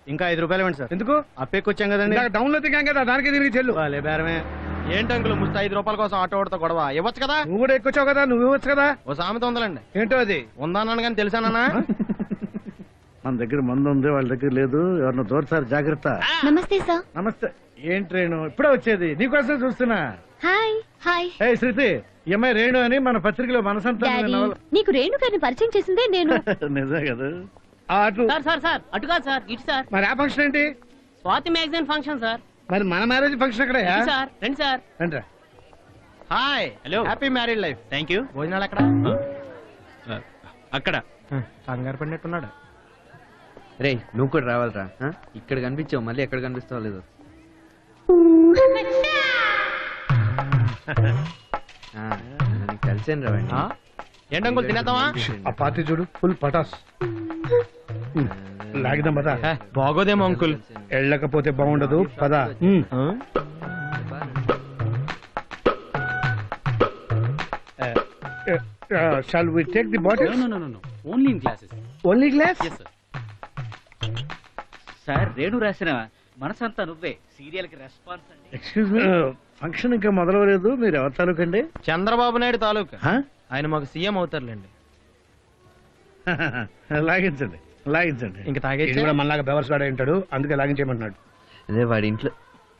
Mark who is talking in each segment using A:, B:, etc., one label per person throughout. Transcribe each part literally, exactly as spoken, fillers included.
A: ఇంకా ఐదు రూపాయలు ఇవ్వండి సార్.
B: ఎందుకు?
A: అప్పెక్కొచ్చాం కదండి.
B: డౌన్ లో దిగాం కదా, దానికి తిరిగి చెల్లు.
A: వాళ్ళే బేరమే. ఏంటి అంకుల్ ముస్తా ఐదు రూపాయల కోసం ఆటో ఓడితో గొడవ ఇవ్వచ్చు కదా?
B: నువ్వు కూడా ఎక్కువచ్చావు కదా, నువ్వు ఇవ్వచ్చు కదా.
A: ఓ సామెత ఉందండి.
B: ఏంటో అది?
A: ఉందానని కానీ తెలుసానా?
B: మన దగ్గర మందు ఉంది, వాళ్ళ దగ్గర లేదు. ఎవరిని దూరసారి జాగ్రత్త.
C: నమస్తే సార్.
B: నమస్తే. ఏం ట్రైన్ ఇప్పుడే వచ్చేది? నీకోసం చూస్తున్నా.
C: Hi hi.
B: ఏ శృతి, ఈ అమ్మాయి రేణు అని మన పత్రికలో మనసంతా
C: నీకు రేణు గారిని పరిచయం చేసిందే నేను.
B: నిజమే కదా. అటు
D: సార్ సార్ సార్ అటు కాదు సార్, ఇటు సార్.
B: మరి ఆ ఫంక్షన్ ఏంటి?
D: Swathi magazine function sir.
B: మరి మన మ్యారేజ్ ఫంక్షన్ అక్కడ
D: సార్. రండి సార్.
B: రండి.
A: Hi. Hello. Happy married life. Thank you. భోజనాలు ఎక్కడ?
E: అక్కడ.
A: కంగారు పడినట్టున్నాడు.
E: రే నువ్వు కూడా రావాలరా. ఇక్కడ కనిపించావు, మళ్ళీ ఎక్కడ కనిపిస్తావు లేదు. కలిసాను రావండి.
A: ఏంటి అంకుల్ తినేద్దామా?
B: ఆ పార్టీ చూడు, ఫుల్ పటాస్. లాగిదాం పదా.
A: బాగోదేమో అంకుల్.
B: వెళ్ళకపోతే బాగుండదు పదా. Shall we take the bottle?
F: No no no only in glasses.
B: Only glass?
F: yes sir. Sir Renu రాసిన మనసంతా నువ్వే సీరియల్ కి రెస్పాన్స్ అండి.
B: ఎక్స్క్యూజ్ మీ, ఫంక్షన్ ఇంకా మొదలవలేదు. మీరు ఎవరి తాలూకండి?
A: చంద్రబాబు నాయుడు తాలూకా. ఆయన మాకు సీఎం అవుతారులేండి.
B: లాగించండి లాగించండి.
A: ఇంకా తాగేసి
B: కూడా మనలాగా బెవర్స్ వాడే ఉంటాడు, అందుకే లాగించేయమంటున్నాడు.
E: అదే వాడి ఇంట్లో.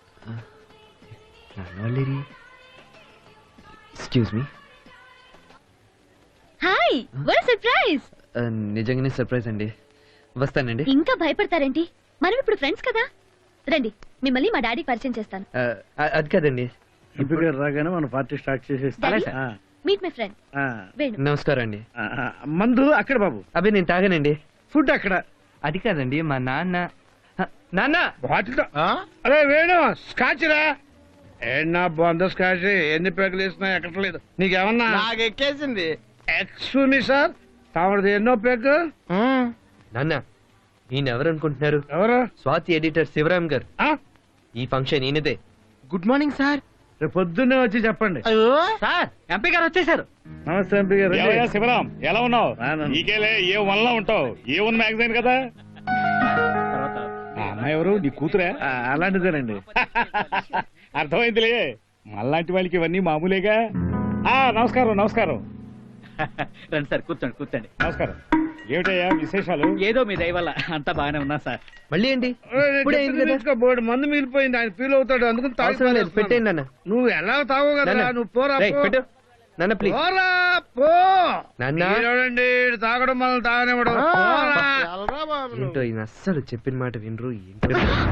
E: Excuse me.
C: Hi, what surprise.
E: నిజంగానే సర్ప్రైజ్ అండి. వస్తానండి.
C: ఇంకా భయపడతారేంటి? మనం ఇప్పుడు ఫ్రెండ్స్ కదా. రండి, మిమ్మల్ని మా డాడీకి పరిచయం చేస్తాను.
E: అది కాదండి.
B: ఇప్పుడు గారు రాగానే మన పార్టీ స్టార్ట్ చేసేస్తాం.
C: Meet my friend Venu.
E: నమస్కారం అండి.
B: మందు అక్కడ బాబు.
E: అవి నేను తాగానండి.
B: ఫుడ్ అక్కడ.
E: అది కాదండి, మా నాన్న. నాన్న
B: బాటిల్. అరే వేణు, స్కాచ్ రా. ఏనా బాగుందో స్కాచ్. ఎన్ని పేకలు వేసినా ఎక్కట్లేదు. నీకేమన్నా?
A: నాకు ఎక్కేసింది.
B: ఎక్స్క్యూజ్ మీ సార్, తామది ఎన్నో పేక?
E: నాన్న ఈయన ఎవరు అనుకుంటున్నారు?
B: ఎవరు?
E: స్వాతి ఎడిటర్ శివరాం గారు. ఈ ఫంక్షన్ ఈయనదే.
A: Good morning sir.
B: రేపు పొద్దున్నే వచ్చి చెప్పండి.
D: సార్ ఎంపీ గారు వచ్చేసారు.
B: నమస్తే ఎంపీ గారు.
G: శివరాం ఎలా ఉన్నావు? నీకేలే ఏ వన్ లో ఉంటావు. ఏ వన్ మ్యాగజైన్ కదా. అమ్మాయి ఎవరు? నీ కూతురే?
B: అలాంటిదేనండి.
G: అర్థమైందిలే, మళ్ళాంటి వాళ్ళకి ఇవన్నీ మామూలేగా. ఆ నమస్కారం నమస్కారం.
F: రండి సార్, కూర్చోండి కూర్చోండి.
G: నమస్కారం. ఏమిటయ్యా విశేషాలు?
F: ఏదో మీ దయ వల్ల అంతా బాగానే ఉన్నా సార్.
E: మళ్ళీ ఏంటి?
B: బోర్డు మందు మిగిలిపోయింది, ఆయన ఫీల్ అవుతాడు, అందుకని తాగు.
E: పెట్టేయండి నాన్న.
B: నువ్వు ఎలా తావు కదా. నువ్వు పోరా
E: పెట్టు నాన్న ప్లీజ్.
B: పోరా పో
E: నాన్న.
B: చూడండి, తాగడం మనల్ని తాగనివ్వడం.
E: ఏంటో ఈయన అస్సలు చెప్పిన మాట వినరు. ఏంటో.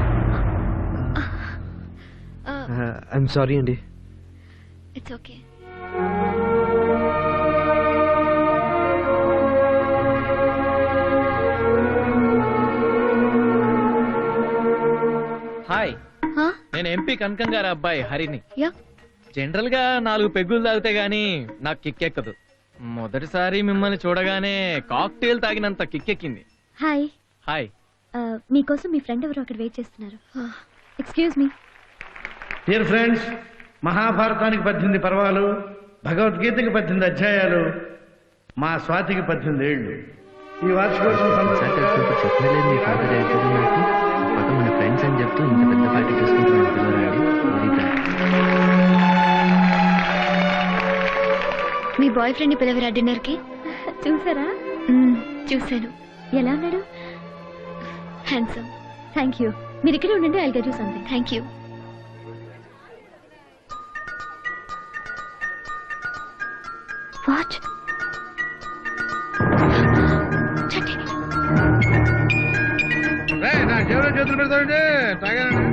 E: ఐఎమ్ సారీ అండి.
C: It's okay.
D: హాయ్, నేను ఎంపీ కనకం గారి అబ్బాయి హరిని.
C: యా.
D: జనరల్ గా నాలుగు పెగ్గులు తాగితే గానీ నాకు కిక్కెక్కదు. మొదటిసారి మిమ్మల్ని చూడగానే కాక్టైల్ తాగినంత కిక్కెక్కింది.
C: హాయ్.
D: హాయ్.
C: మీకోసం మీ ఫ్రెండ్ ఎవరు అక్కడ వెయిట్ చేస్తున్నారు. Excuse me.
B: డియర్ ఫ్రెండ్స్, మహాభారతానికి పద్దెనిమిది పర్వాలు, భగవద్గీతకి పద్దెనిమిది అధ్యాయాలు, మా స్వాతికి పద్దెనిమిది ఏళ్ళు. ఈ వార్షికోత్సవం
E: చెప్పలేదు మీ ఫాదర్ అవుతుంది నాకు. పక్క మన ఫ్రెండ్స్ అని చెప్తూ ఇంత పెద్ద పార్టీ చేసుకుంటున్నాను పిల్లలండి.
C: మీ బాయ్ ఫ్రెండ్ ని పిలవరా డిన్నర్ కి? చూసారా? చూశాను. ఎలా ఉన్నాడు? హ్యాండ్సమ్. Thank you. మీరు ఇక్కడే ఉండండి, I'll get you something. Thank you. What?
B: నా జేబులో చేతులు పెడతాడండి. తాగానండి.